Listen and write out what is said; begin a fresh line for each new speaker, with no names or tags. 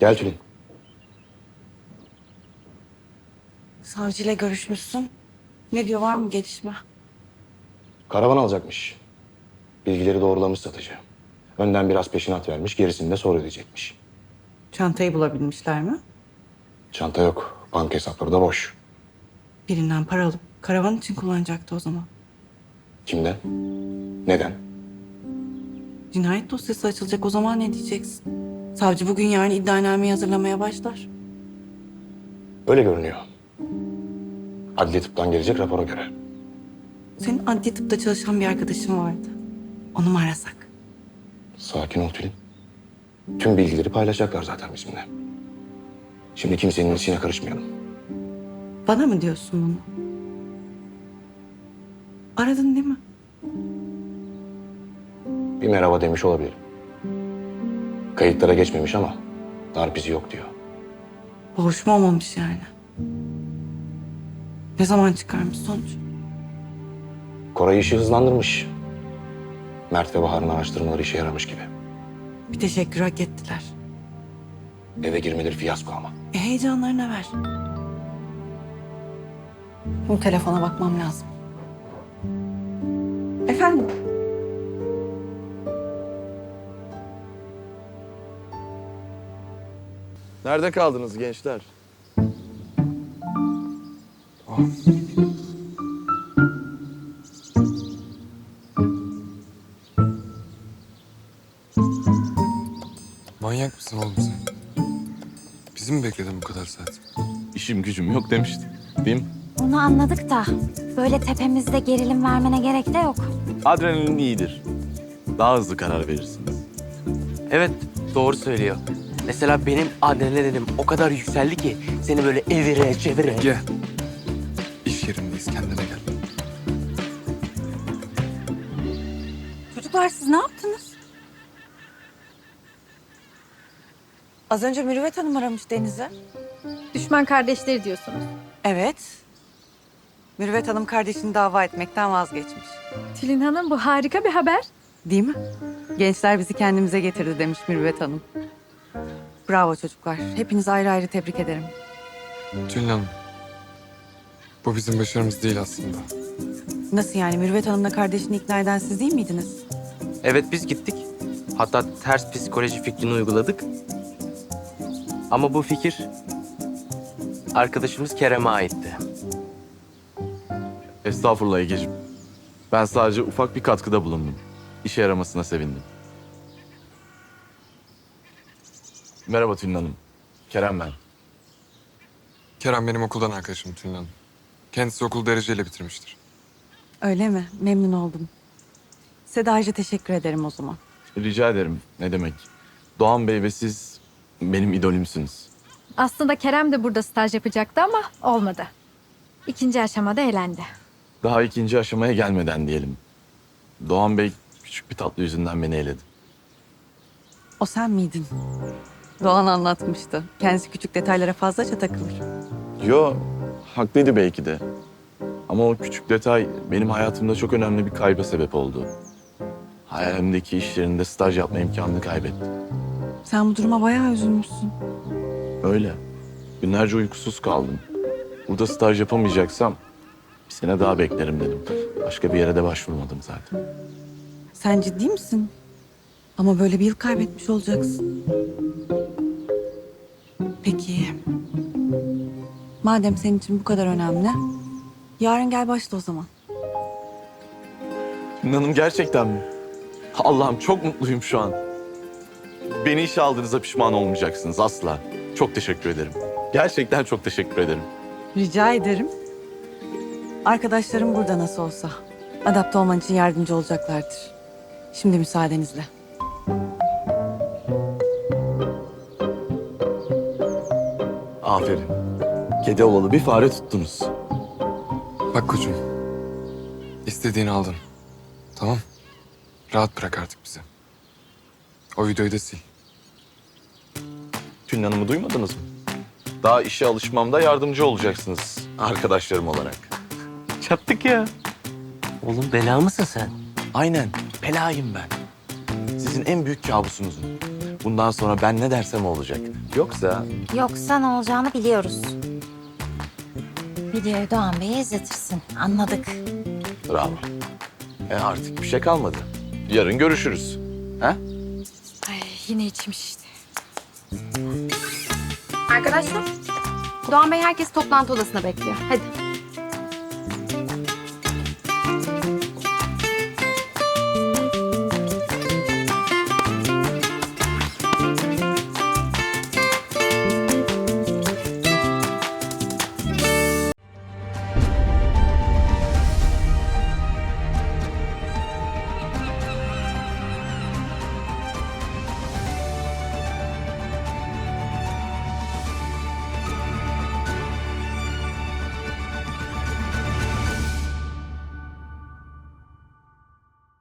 Gel Tülin.
Savcıyla görüşmüşsün. Ne diyor, var mı gelişme?
Karavan alacakmış. Bilgileri doğrulamış satıcı. Önden biraz peşinat vermiş, gerisini de sonra ödeyecekmiş.
Çantayı bulabilmişler mi?
Çanta yok, banka hesapları da boş.
Birinden para alıp karavan için kullanacaktı o zaman.
Kimden? Neden?
Cinayet dosyası açılacak, o zaman ne diyeceksin? Savcı bugün yarın iddianameyi hazırlamaya başlar.
Öyle görünüyor. Adli tıptan gelecek rapora göre.
Senin adli tıpta çalışan bir arkadaşın vardı. Onu mu arasak?
Sakin ol Tülin. Tüm bilgileri paylaşacaklar zaten bizimle. Şimdi kimsenin içine karışmayalım.
Bana mı diyorsun bunu? Aradın değil mi?
Bir merhaba demiş olabilirim. Kayıtlara geçmemiş ama darp izi yok diyor.
Boğuşma olmamış yani. Ne zaman çıkarmış sonuç?
Koray işi hızlandırmış. Mert ve Bahar'ın araştırmaları işe yaramış gibi.
Bir teşekkür hak ettiler.
Eve girmeleri fiyasko ama.
Heyecanlarına ver. Bu telefona bakmam lazım. Efendim?
Nerede kaldınız gençler?
Manyak mısın oğlum sen? Bizi mi bekledin bu kadar saat?
İşim gücüm yok demiştim. Değil mi?
Onu anladık da böyle tepemizde gerilim vermene gerek de yok.
Adrenalin iyidir. Daha hızlı karar verirsiniz.
Evet, doğru söylüyor. Mesela benim adrenalinim o kadar yükseldi ki seni böyle evire çevire.
Gel. İş yerindeyiz, kendine gel.
Çocuklar siz ne yaptınız? Az önce Mürüvvet Hanım aramış Deniz'i.
Düşman kardeşleri diyorsunuz.
Evet. Mürüvvet Hanım kardeşini dava etmekten vazgeçmiş.
Tülin Hanım, bu harika bir haber.
Değil mi? Gençler bizi kendimize getirdi demiş Mürüvvet Hanım. Bravo çocuklar. Hepinizi ayrı ayrı tebrik ederim.
Tülin Hanım. Bu bizim başarımız değil aslında.
Nasıl yani? Mürüvvet Hanım'la kardeşini ikna eden siz değil miydiniz?
Evet, biz gittik. Hatta ters psikoloji fikrini uyguladık. Ama bu fikir arkadaşımız Kerem'e aitti.
Estağfurullah Egeciğim. Ben sadece ufak bir katkıda bulundum. İşe yaramasına sevindim. Merhaba Tülin Hanım. Kerem ben.
Kerem benim okuldan arkadaşım Tülin Hanım. Kendisi okul dereceyle bitirmiştir.
Öyle mi? Memnun oldum. Size de ayrıca teşekkür ederim o zaman.
Rica ederim. Ne demek? Doğan Bey ve siz benim idolümsünüz.
Aslında Kerem de burada staj yapacaktı ama olmadı. İkinci aşamada elendi.
Daha ikinci aşamaya gelmeden diyelim. Doğan Bey küçük bir tatlı yüzünden beni eledi.
O sen miydin? Doğan anlatmıştı. Kendisi küçük detaylara fazlaca takılır.
Yo, haklıydı belki de. Ama o küçük detay benim hayatımda çok önemli bir kayba sebep oldu. Hayalimdeki iş yerinde staj yapma imkanını kaybettim.
Sen bu duruma bayağı üzülmüşsün.
Öyle. Günlerce uykusuz kaldım. Burada staj yapamayacaksam bir sene daha beklerim dedim. Başka bir yere de başvurmadım zaten.
Sen ciddi misin? Ama böyle bir yıl kaybetmiş olacaksın. Peki. Madem senin için bu kadar önemli, yarın gel başla o zaman.
İnanın gerçekten mi? Allah'ım çok mutluyum şu an. Beni işe aldığınızda pişman olmayacaksınız asla. Çok teşekkür ederim. Gerçekten çok teşekkür ederim.
Rica ederim. Arkadaşlarım burada nasıl olsa. Adapte olman için yardımcı olacaklardır. Şimdi müsaadenizle.
Aferin. Kedi olalı bir fare tuttunuz.
Bak koçum. İstediğini aldın. Tamam. Rahat bırak artık bizi. O videoyu da sil.
Tülin Hanım'ı duymadınız mı? Daha işe alışmamda yardımcı olacaksınız arkadaşlarım olarak.
Çattık ya. Oğlum bela mısın sen?
Aynen, belayım ben. Sizin en büyük kabusunuzum. Bundan sonra ben ne dersem olacak.
Yoksa ne olacağını biliyoruz. Videoyu Doğan Bey'e izletirsin. Anladık.
Bravo. Artık bir şey kalmadı. Yarın görüşürüz. Ha?
Ay, yine içmiş işte. Arkadaşlar, Doğan Bey herkes toplantı odasına bekliyor. Hadi.